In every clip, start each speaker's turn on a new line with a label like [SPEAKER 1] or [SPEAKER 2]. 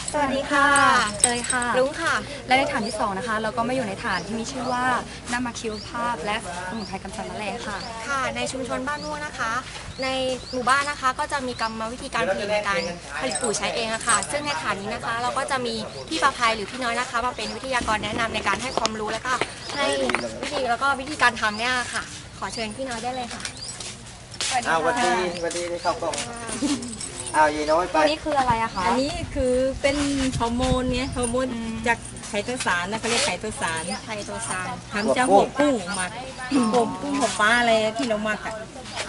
[SPEAKER 1] สวัสดีค่ะเตยค่ะ
[SPEAKER 2] รุ้งค่ะ
[SPEAKER 1] และในฐานที่2นะคะเราก็มาอยู่ในฐานที่มีชื่อว่าน้ำหมักชีวภาพและสมุนไพรกำจัดแมลงค่ะ
[SPEAKER 2] ค่ะในชุมชนบ้านม่วงนะคะ ในหมู่บ้านนะคะก็จะมีกรรมวิธีการผลิตในการผลิตปุ๋ยใช้เองอะค่ะซึ่งในฐานนี้นะคะเราก็จะมีพี่ประภัยหรือพี่น้อยนะคะมาเป็นวิทยากรแนะนำในการให้ความรู้แล้วก็ให้วิธีการทำเนี่ยค่ะขอเชิญพี่น้อยได้เลยค่ะ
[SPEAKER 3] สวัสดีที่เข้ากล้องยีน้อยไป
[SPEAKER 1] ตัวนี้คืออะไรอะคะ
[SPEAKER 4] อันนี้คือเป็นฮอร์โมนไงฮอร์โมนจากไขโตสารนะเขาเรียกไขโตสาร
[SPEAKER 2] ไทโตซาน
[SPEAKER 4] ทำจากหัวกุ้งหมักหัวกุ้งหัวปลาอะไรที่เราหมักอ่ะ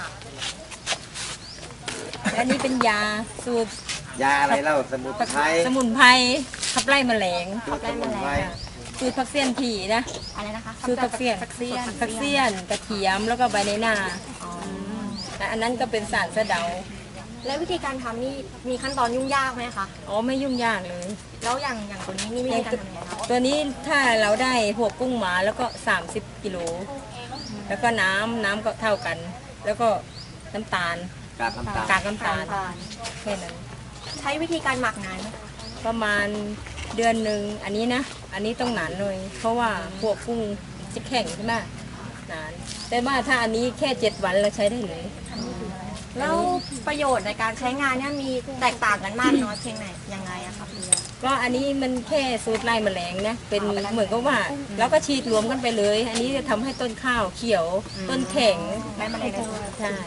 [SPEAKER 4] และอันนี้เป็นยาสูตร
[SPEAKER 3] ยาอะไรเล่าสมุนไพร
[SPEAKER 4] สมุนไพรขับไล่แมลง
[SPEAKER 3] ดูสมุนไพร
[SPEAKER 4] สูตรผักเสี้ยนผีนะ
[SPEAKER 2] อะไรนะคะ
[SPEAKER 4] สูตรผักเสี้ยนกระเทียมแล้วก็ใบในนาและอันนั้นก็เป็นสารสะเดา
[SPEAKER 2] และวิธีการทำนี่มีขั้นตอนยุ่งยากไหมคะ
[SPEAKER 4] อ๋อไม่ยุ่งยากเลย
[SPEAKER 2] แล้วอย่างตัวนี้นี่วิธีการทำยังไงคะ
[SPEAKER 4] ตัวนี้ถ้าเราได้หัวกุ้งมาแล้วก็30 กิโลแล้วก็น้ำก็เท่ากัน แล้วก็น้ำตาล
[SPEAKER 3] กากน้ำตาล
[SPEAKER 4] กากน้ำตาลแค่นั้น
[SPEAKER 2] ใช้วิธีการหมักนานไหมคะ
[SPEAKER 4] ประมาณเดือนหนึ่งอันนี้นะอันนี้ต้องหนานหน่อยเพราะว่าพวกกุ้งจะแข็งใช่ไหมนานแต่ว่าถ้าอันนี้แค่7 วันเราใช้ได้เลย
[SPEAKER 2] แล้วประโยชน์ในการใช้งานเนี่ยมีแตกต่างกันมากน้อยเพียงไหนยังไงอะคะพี่
[SPEAKER 4] ก็อันนี้มันแค่สูตรไล่แมลงนะเป็นเหมือนกับว่าเราก็ฉีดรวมกันไปเลย อันนี้จะทำให้ต้นข้าวเขียวต้นแข็ง
[SPEAKER 2] ไล่แมลงในตัว
[SPEAKER 4] ใช่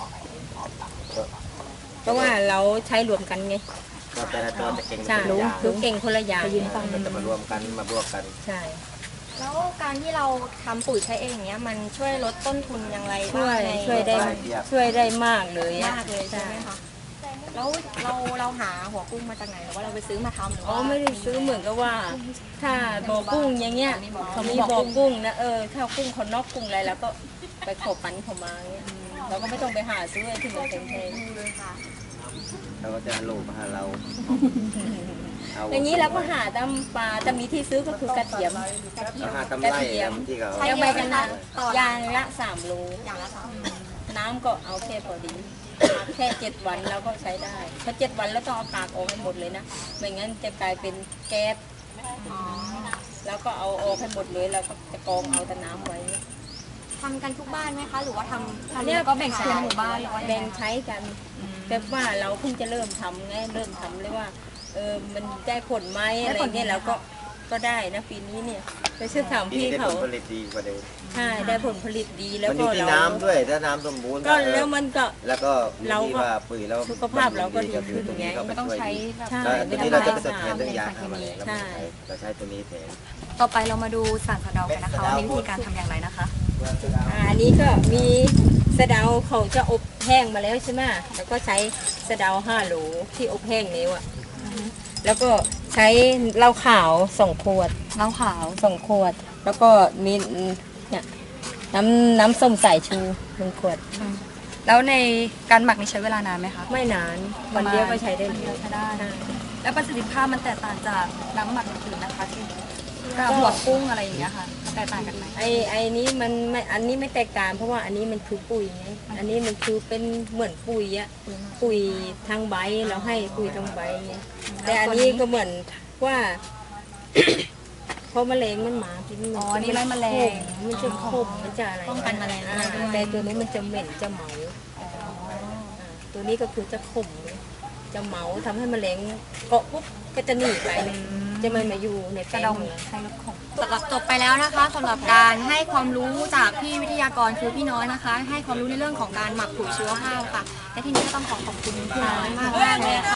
[SPEAKER 4] เพราะว่าเราใช้รวมกันไง
[SPEAKER 3] ก็แต่ละตัวจะเก่ง
[SPEAKER 4] ใช่
[SPEAKER 3] คนละอย่าง
[SPEAKER 4] คือเก่งคนละอย่าง
[SPEAKER 3] มันจะมารวมกันมาบวกกัน
[SPEAKER 4] ใช่
[SPEAKER 2] แล้วการที่เราทำปุ๋ยใช้เองอย่างเงี้ยมันช่วยลดต้นทุนอย่างไร
[SPEAKER 4] ช่
[SPEAKER 2] บ้าง
[SPEAKER 4] วย
[SPEAKER 2] ใน
[SPEAKER 4] ช่วยได้มากเลยอะ
[SPEAKER 2] มากเลยใช่ไหมคะแล้วเราหาหัวกุ้งมาจากไหนหรือว่าเราไปซื้อมาทำหรือ
[SPEAKER 4] อ๋อ
[SPEAKER 2] ว่า
[SPEAKER 4] ไม่ได้ซื้อเหมือนกับว่า ถ้าบ่อกุ้งอย่างเงี้ยเขามีบ่อกุ้งนะถ้ากุ้งคนนอกกุ้งอะไรแล้วก็ไปขอปันเขามาเงี้ยเราก็ไม่ต้องไปหาซื้อไอ้ที่มันแพง
[SPEAKER 2] ค่ะ
[SPEAKER 3] เราก็จะโลมาหาเรา
[SPEAKER 4] ๆอย่างนี้เราก็หาตามป่าแต่มีที่ซื้อก็คือกระเทียม
[SPEAKER 3] เราหาตำไรที่เขา
[SPEAKER 4] ยังไปกันนะยางละ3 โล
[SPEAKER 2] อย่างละสอง
[SPEAKER 4] น้ำก็เอาแค่พอดีแค่7 วันแล้วก็ใช้ได้เพราะ7 วันแล้วต้องเอากากออกให้หมดเลยนะไม่งั้นจะกลายเป็นแก๊สแล้วก็เอาออกให้หมดเลยแล้วก็จะกรองเอาแต่น้ำไว้
[SPEAKER 2] ทำกันทุกบ้านไหมคะหรือว่าทำ
[SPEAKER 1] เนี่ยก็แบ่งใช้ในหมู่บ้านหรือว่า
[SPEAKER 4] แบ่งใช้กัน แต่ว่าเราเพิ่งจะเริ่มทำไงเริ่มทำเลยว่ามันได้ผลไหมอะไรเงี้ยเราก็ได้นะปีนี้เนี่ยไปชื่อถาม
[SPEAKER 3] ที่
[SPEAKER 4] พี่
[SPEAKER 3] ได้
[SPEAKER 4] เขา
[SPEAKER 3] ผลผลิตดีกว่าเดิม
[SPEAKER 4] ใช่ได้ผลผลิตดีแล้ว
[SPEAKER 3] มันอ
[SPEAKER 4] ก็
[SPEAKER 3] ยู่ที่
[SPEAKER 4] เรา
[SPEAKER 3] น้ำด้วยถ้าน้ำสมบูรณ์
[SPEAKER 4] ก็แล้วมันก็
[SPEAKER 3] แล้วก็อยู่ที่ว่าปุ๋ยแล้ว
[SPEAKER 4] สุขภาพเราก็ดีขึ้น
[SPEAKER 3] ตรงนี้ก็
[SPEAKER 1] ไม่ต้องใช้
[SPEAKER 4] ใช่
[SPEAKER 3] ตัวนี้เราจะไปทดแทนเรื่องยาฆ่าแมลงแล้ว
[SPEAKER 4] ใช่
[SPEAKER 3] เราใช้ตัวนี้แทน
[SPEAKER 1] ต่อไปเรามาดูสารสะเดากันนะคะว่ามีวิธีการทำอย่างไรนะคะ
[SPEAKER 4] อันนี้ก็มีสะเดาเขาจะอบแห้งมาแล้วใช่ไหมแล้วก็ใช้สะเดา5 โหลที่อบแห้งนี้อ่ะแล้วก็ใช้เหล้าขาว2 ขวด
[SPEAKER 1] เหล้าขาว
[SPEAKER 4] 2 ขวด แล้วก็มีเนี่ยน้ำส้มสายชู1 ขวด
[SPEAKER 1] แล้วในการหมักนี่ใช้เวลานานไหมคะ
[SPEAKER 4] ไม่นานวันเดียวก็ใช้ได้เลย
[SPEAKER 1] ใช้ได้ แล้วประสิทธิภาพมันแตกต่างจากน้ำหมักอื่นๆนะคะที่กับหัวกุ้งอะไรอย่างเงี้ยค่ะแตกต่างกันไหม
[SPEAKER 4] ไอ้นี้มันไม่อันนี้ไม่แตกต่างเพราะว่าอันนี้มันคือปุ๋ยไงอันนี้มันคือเป็นเหมือนปุ๋ยอะปุ๋ยทางใบเราให้ปุ๋ยทางใบไงแต่อันนี้ก็เหมือนว่า เพราะแมลงมันมากิน
[SPEAKER 1] อ๋อนี่ไล่แมลง
[SPEAKER 4] มันจะขมมันจะอะไร
[SPEAKER 2] ป้องกันแมลงอะไรด้วย
[SPEAKER 4] แต่ตัวนี้มันจะเหม็นจะเหมาตัวนี้ก็คือจะขมจะเหมาทำให้แมลงเกาะปุ๊บก็จะหนีไปจะไม่มาอยู่ในแป้
[SPEAKER 1] กระ
[SPEAKER 4] ง
[SPEAKER 1] ดอง
[SPEAKER 4] ของเรา
[SPEAKER 1] ใช้รถของ
[SPEAKER 2] สำหรับจบไปแล้วนะคะสำหรับการให้ความรู้จากพี่วิทยากรคือพี่น้อยนะคะ ให้ความรู้ในเรื่องของการหมักปุ๋ยชีวภาพค่ะและทีนี้ก็ต้องขอบคุณพี่น้อยมากเลยค่ะ